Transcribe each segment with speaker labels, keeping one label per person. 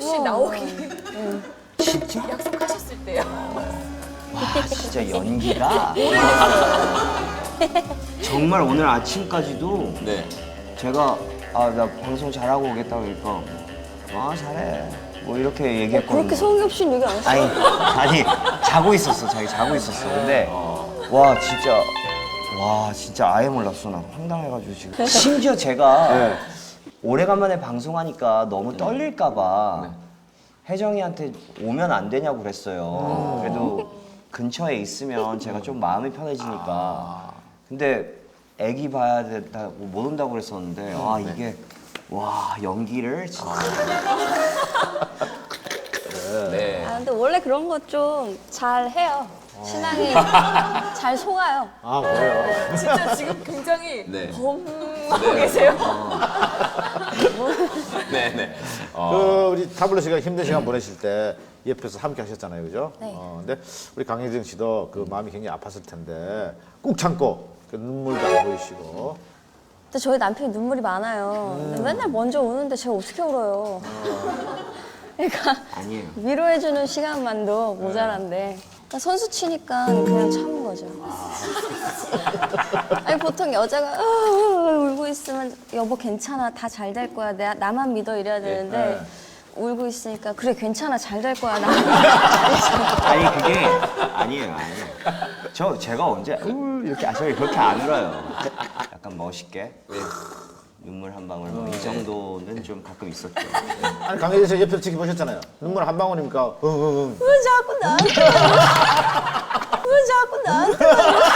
Speaker 1: 혹시 나오기
Speaker 2: 진짜?
Speaker 1: 약속하셨을 때요?
Speaker 2: 와, 진짜 연기가 정말 오늘 아침까지도
Speaker 3: 네.
Speaker 2: 제가 나 방송 잘하고 오겠다고 그러니까 잘해 뭐 이렇게 얘기했거든요.
Speaker 4: 그렇게 성의 없이 얘기 안 했어.
Speaker 2: 아니 자고 있었어. 자기 자고 있었어. 근데 와 진짜 아예 몰랐어. 나 황당해가지고 지금. 심지어 제가 오래간만에 방송하니까 너무 떨릴까봐 혜정이한테 오면 안 되냐고 그랬어요. 그래도 근처에 있으면 제가 좀 마음이 편해지니까. 근데 애기 봐야 된다고 못 온다고 그랬었는데 이게 와 연기를 진짜.
Speaker 3: 네.
Speaker 4: 근데 원래 그런 거 좀 잘 해요. 신앙이 잘 속아요.
Speaker 5: 아, 그래요?
Speaker 1: 진짜 지금 굉장히
Speaker 3: 네.
Speaker 1: 범하고 계세요.
Speaker 3: 네네.
Speaker 5: 그 우리 타블로 씨가 힘든 시간 보내실 때 옆에서 함께 하셨잖아요, 그죠?
Speaker 4: 네.
Speaker 5: 근데 우리 강혜정 씨도 그 마음이 굉장히 아팠을 텐데 꾹 참고 그 눈물도 안 보이시고.
Speaker 4: 근데 저희 남편이 눈물이 많아요. 근데 맨날 먼저 오는데 제가 어떻게 울어요. 그러니까
Speaker 2: 아니에요.
Speaker 4: 위로해주는 시간만도 모자란데 그러니까 선수 치니까 그냥 참은 거죠. 아니 보통 여자가 울고 있으면 여보 괜찮아 다 잘 될 거야 나만 믿어 이래야 되는데 울고 있으니까 그래 괜찮아 잘 될 거야 나.
Speaker 2: 아니 그게 아니에요. 제가 언제 이렇게 저희 그렇게 안 울어요. 약간 멋있게 눈물 한 방울 뭐 이 정도는 좀 가끔 있었죠.
Speaker 5: 아니 강혜정 씨 옆에서 지켜보셨잖아요. 눈물 한 방울이니까
Speaker 4: 왜 자꾸 나한테 왜 자꾸 나한테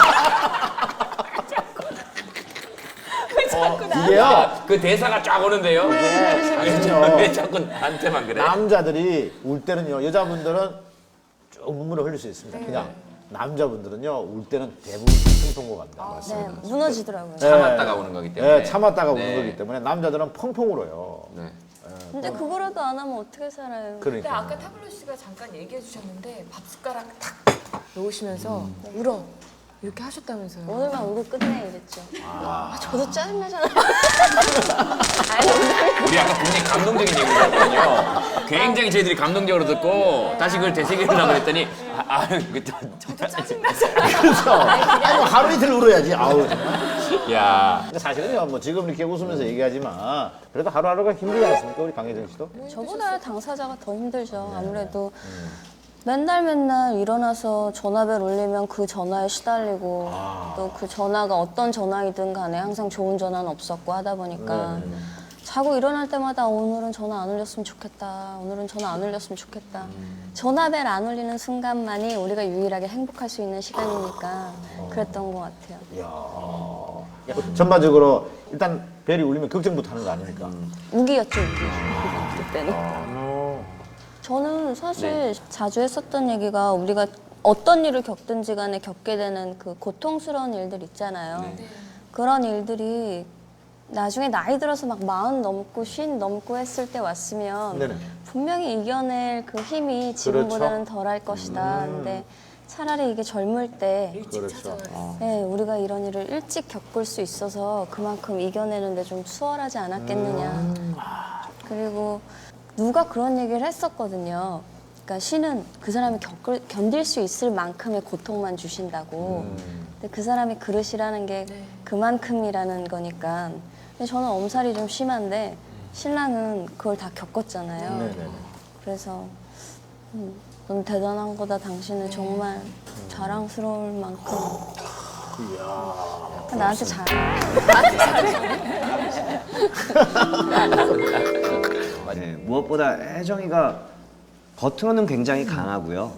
Speaker 5: 이게요.
Speaker 3: 그 대사가 쫙 오는데요.
Speaker 5: 아니요.
Speaker 3: 왜 자꾸 나한테만 그래?
Speaker 5: 남자들이 울 때는요. 여자분들은 쭉 눈물을 흘릴 수 있습니다. 그냥 남자분들은요. 울 때는 대부분 펑펑 간다.
Speaker 4: 네 무너지더라고요.
Speaker 3: 참았다가 오는 거기 때문에.
Speaker 5: 네, 참았다가 우는
Speaker 3: 네.
Speaker 5: 거기 때문에 남자들은 펑펑 울어요.
Speaker 3: 네.
Speaker 4: 근데 그거라도 안 하면 어떻게 살아요?
Speaker 1: 근데
Speaker 5: 그러니까.
Speaker 1: 아까 타블로 씨가 잠깐 얘기해 주셨는데 밥 숟가락 탁 놓으시면서 울어 이렇게 하셨다면서요.
Speaker 4: 오늘만 울고 끝내 이랬죠. 저도 짜증나잖아요. 아니,
Speaker 3: 우리 아까 굉장히 감동적인 얘기를 했거든요. 굉장히 저희들이 감동적으로 듣고 다시 그걸 되새기려고 했더니
Speaker 1: 저도 짜증나잖아요.
Speaker 5: 그렇죠. 아니, 뭐 하루 이틀 울어야지. 아우.
Speaker 3: 야.
Speaker 5: 근데 사실은요, 뭐 지금 이렇게 웃으면서 얘기하지만 그래도 하루하루가 힘들지 않습니까, 우리 강혜정 씨도?
Speaker 4: 저보다 당사자가 더 힘들죠. 아무래도 맨날 일어나서 전화벨 울리면 그 전화에 시달리고 또 그 전화가 어떤 전화이든 간에 항상 좋은 전화는 없었고 하다 보니까 자고 일어날 때마다 오늘은 전화 안 울렸으면 좋겠다. 오늘은 전화 안 울렸으면 좋겠다. 전화벨 안 울리는 순간만이 우리가 유일하게 행복할 수 있는 시간이니까 그랬던 것 같아요.
Speaker 5: 전반적으로 일단 벨이 울리면 걱정부터 하는 거 아닙니까?
Speaker 4: 우기였죠, 우기. 그때는. 저는 사실 자주 했었던 얘기가 우리가 어떤 일을 겪든지 간에 겪게 되는 그 고통스러운 일들 있잖아요. 그런 일들이 나중에 나이 들어서 막 40 넘고 50 넘고 했을 때 왔으면
Speaker 5: 네네.
Speaker 4: 분명히 이겨낼 그 힘이 지금보다는 덜할 것이다. 근데 차라리 이게 젊을 때
Speaker 5: 그렇죠.
Speaker 4: 네, 우리가 이런 일을 일찍 겪을 수 있어서 그만큼 이겨내는데 좀 수월하지 않았겠느냐. 그리고 누가 그런 얘기를 했었거든요. 그러니까 신은 그 사람이 견딜 수 있을 만큼의 고통만 주신다고. 근데 그 사람이 그릇이라는 게 그만큼이라는 거니까. 근데 저는 엄살이 좀 심한데 신랑은 그걸 다 겪었잖아요.
Speaker 5: 네네네.
Speaker 4: 그래서 넌 대단한 거다. 당신은 정말 자랑스러울 만큼. 나한테 잘해.
Speaker 2: 네, 무엇보다 혜정이가 겉으로는 굉장히 강하고요.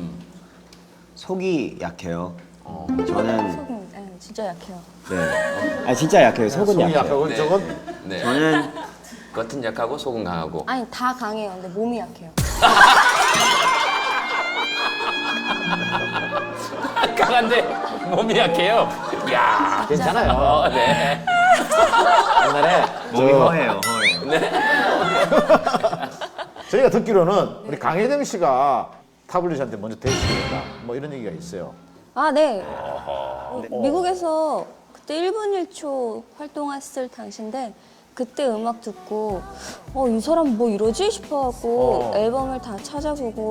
Speaker 2: 속이 약해요. 저는
Speaker 4: 속은 진짜 약해요.
Speaker 2: 진짜 약해요. 속은
Speaker 5: 속이
Speaker 2: 약해요.
Speaker 5: 약하고
Speaker 3: 네.
Speaker 5: 저건
Speaker 3: 네.
Speaker 2: 저는
Speaker 3: 겉은 약하고 속은 강하고.
Speaker 4: 아니 다 강해요. 근데 몸이 약해요.
Speaker 3: 강한데 몸이 약해요. 야.
Speaker 5: 괜찮아요.
Speaker 3: 네.
Speaker 5: 옛날에
Speaker 2: 몸이 허해요. 허해.
Speaker 5: 저희가 듣기로는 우리 강혜정 씨가 타블리 씨한테 먼저 대시했다. 뭐 이런 얘기가 있어요.
Speaker 4: 아, 네. 미국에서 그때 1분 1초 활동했을 당시인데 그때 음악 듣고 이 사람 뭐 이러지 싶어갖고 앨범을 다 찾아보고